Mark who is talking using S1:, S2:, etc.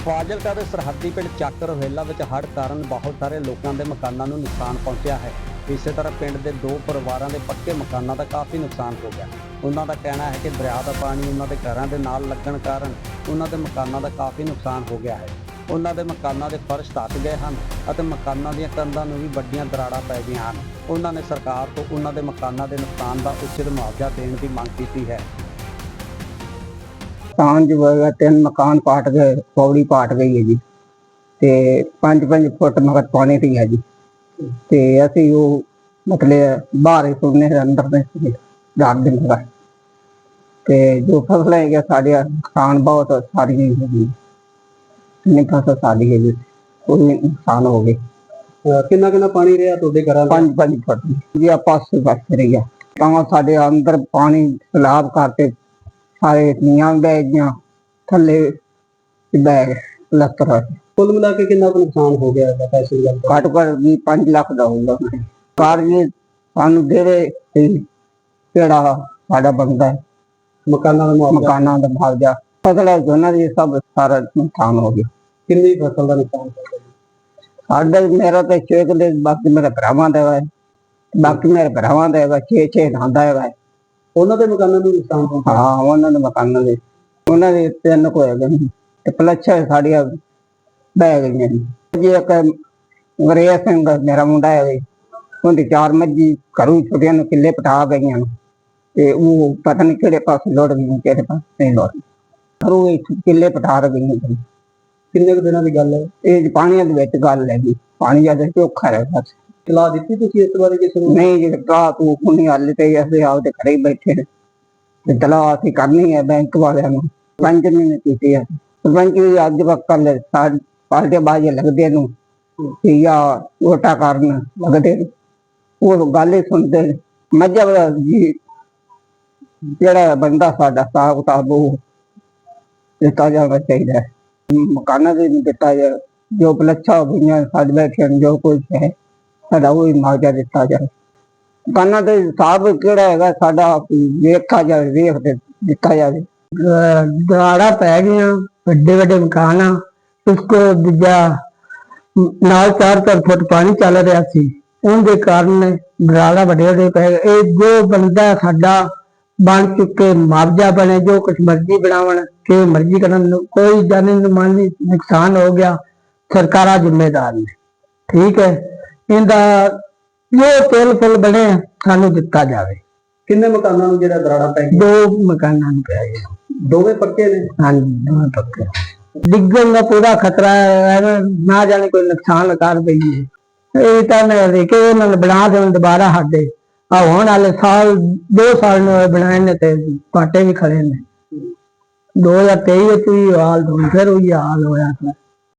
S1: ਫਾਜ਼ਿਲਕਾ ਦੇ ਸਰਹੱਦੀ ਪਿੰਡ ਚੱਕ ਰੋਹੇਲਾ ਵਿੱਚ ਹੜ੍ਹ ਕਾਰਨ ਬਹੁਤ ਸਾਰੇ ਲੋਕਾਂ ਦੇ ਮਕਾਨਾਂ ਨੂੰ ਨੁਕਸਾਨ ਪਹੁੰਚਿਆ ਹੈ। ਇਸੇ ਤਰ੍ਹਾਂ ਪਿੰਡ ਦੇ 2 ਪਰਿਵਾਰਾਂ ਦੇ ਪੱਕੇ ਮਕਾਨਾਂ ਦਾ ਕਾਫੀ ਨੁਕਸਾਨ ਹੋ ਗਿਆ। ਉਹਨਾਂ ਦਾ ਕਹਿਣਾ ਹੈ ਕਿ ਦਰਿਆ ਦਾ ਪਾਣੀ ਉਹਨਾਂ ਦੇ ਘਰਾਂ ਦੇ ਨਾਲ ਲੱਗਣ ਕਾਰਨ ਉਹਨਾਂ ਦੇ ਮਕਾਨਾਂ ਦਾ ਕਾਫੀ ਨੁਕਸਾਨ ਹੋ ਗਿਆ ਹੈ। ਉਹਨਾਂ ਦੇ ਮਕਾਨਾਂ ਦੇ ਫਰਸ਼ ਢੱਕ ਗਏ ਹਨ ਅਤੇ ਮਕਾਨਾਂ ਦੀਆਂ ਕੰਧਾਂ ਨੂੰ ਵੀ ਵੱਡੀਆਂ ਦਰਾੜਾਂ ਪੈ ਗਈਆਂ ਹਨ। ਉਹਨਾਂ ਨੇ ਸਰਕਾਰ ਤੋਂ ਉਹਨਾਂ ਦੇ ਮਕਾਨਾਂ ਦੇ ਨੁਕਸਾਨ ਦਾ ਉਚਿਤ ਮੁਆਵਜ਼ਾ ਦੇਣ ਦੀ ਮੰਗ ਕੀਤੀ ਹੈ।
S2: तांज वगैरह 3 मकान पाट गए, पौड़ी पाट गई है जी। ते 5-5 फुट मगर पानी थी है जी। ते असी वो मतलब बाहर ही सुनने अंदर में रात दिन का ते जो फसल है साढ़े नुकसान बहुत सारी नहीं फसल सारी है जी, कोई नुकसान हो गए।
S1: कितना पानी रहा तुहाडे घरां
S2: 5-5 फुट जी पासे पासे रही है। तां साडे अंदर पानी सैलाब करके सारे नीआं बह गईयां, थल्ले बैग लत्तर
S1: कुल मिला के कितना नुकसान हो गया है? पैसे की
S2: घट घट भी 5 लाख का होगा। कार ये सानू देवे केड़ा साडा बनदा है मकाना दा मुआवजा। फसल है जोना दी सब सारा नुकसान हो गया।
S1: कितनी फसल का नुकसान हो गया?
S2: साडा मेरा तो 6 किले, बाकी मेरे भरावां दा है, बाकी मेरे भरावां दा है 6-6 धांदा है।
S1: ਉਹਨਾਂ ਦੇ ਮਕਾਨਾਂ ਨੂੰ ਨੁਕਸਾਨ ਪਹੁੰਚਿਆ?
S2: हाँ उन्होंने मकानों दे उन्होंने 3 को है ते पलच्छा साड़ियां बह गई जी। एक अंग्रेज सिंह मेरा मुंडा है, उनकी 4 मज्जी घरों छोटिया किले पटा गई ते वो पता नहीं किहड़े पास लौट गई किहड़े पास नहीं लौट घरों किले पटा गई।
S1: किन्ने दिनों की गल है?
S2: ये पानी दे विच गल है जी, पानी ज्यादा चोखा है बस।
S1: सलाह दी तुसीं इस बारे किसी नूं?
S2: नहीं जी, सलाह तू कुनी हल ते असीं आपदे घरे ही बैठे ने ते सलाह असीं करनी है बैंक वालियां नूं। सरपंच ने कीती है, सरपंच भी अज वक्त कल पार्टी बाजी लगदे नूं या वोटा करन लगदे वो गल ही सुनदे। मजहब जी जेड़ा बंदा साडा हिसाब किताब वो दिता जाना चाहिए, मकाना भी नहीं दिता जाए। जो पलच्छा हो गई साढ़े बैठे जो कुछ है साडा वो ही मुआवजा दिता जाए। मकाना के हिसाब केड़ा है साडा वेखा जाए, वेख दिता जाए। दराड़ा पै गई, बड़े बड़े मकान उसको दूजा नाल 4-4 फुट पानी चल रहा सी, उनके कारण दराड़ा बड़े बड़े पै गए। जो बनता साडा बन चुके मुआवजा बने, जो कुछ मर्जी बनावन के मर्जी करन, कोई जानी माली नुकसान हो गया सरकारा जिम्मेदार ने। ठीक है, इनका जो तेल फुल बने सानू दिता जाए।
S1: किन्ने मकानां नूं जेड़ा दराड़ा पै गया?
S2: 2 मकानां नूं पै गया।
S1: दोवें पक्के ने?
S2: हाँ जी, दोवें पक्के। डिग्गन का पूरा खतरा है, ना जाने कोई नुकसान कर पई है। ये तो उन्होंने बना देन दोबारा साडे होने वाले साल 2 साल बनाए ने ते घाटे भी खड़े ने। 2023 भी हाल फिर वही हाल होया।